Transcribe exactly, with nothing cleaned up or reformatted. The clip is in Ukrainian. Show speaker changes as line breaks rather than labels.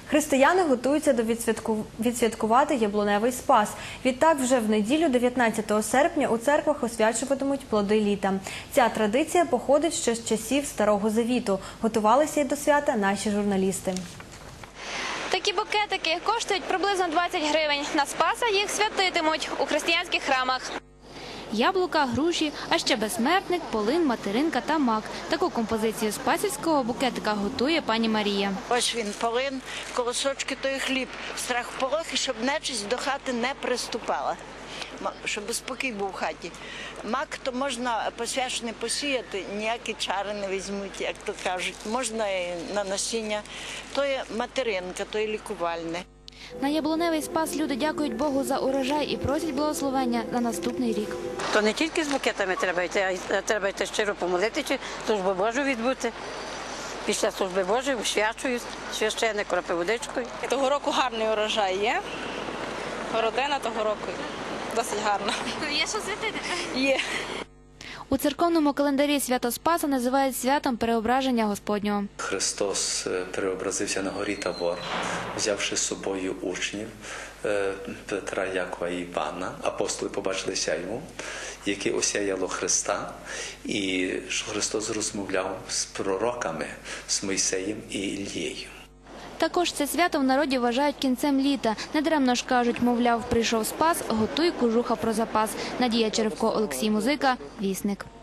Християни готуються до відсвятку... відсвяткувати яблуневий спас. Відтак, вже в неділю, дев'ятнадцятого серпня, у церквах освячуватимуть плоди літа. Ця традиція походить ще з часів Старого Завіту. Готувалися й до свята наші журналісти.
Такі букетики коштують приблизно двадцять гривень. На Спаса їх святитимуть у християнських храмах. Яблука, груші, а ще безсмертник, полин, материнка та мак. Таку композицію спасівського букетика готує пані Марія.
Ось він, полин, колосочки, той хліб, страх полохи, щоб нечисть до хати не приступала, щоб спокій був в хаті. Мак то можна посвячений посіяти, ніякі чари не візьмуть, як то кажуть. Можна і на насіння. То є материнка, то є лікувальне.
На яблуневий спас люди дякують Богу за урожай і просять благословення на наступний рік.
То не тільки з букетами треба йти, а треба йти щиро помолити, чи службу Божу відбути. Після служби Божої освячують, священник кропить водичкою.
Того року гарний урожай є. Родина того року досить гарна.
Є що святити?
Є.
У церковному календарі свято Спаса називають святом переображення Господнього.
Христос переобразився на горі Тавор, взявши з собою учнів Петра, Якова і Івана. Апостоли побачилися йому, яке осяяло Христа, і що Христос розмовляв з пророками, з Мойсеєм і Ілією.
Також це свято в народі вважають кінцем літа. Недаремно ж кажуть, мовляв, прийшов Спас, готуй кожуха про запас. Надія Черевко, Олексій Музика, Вісник.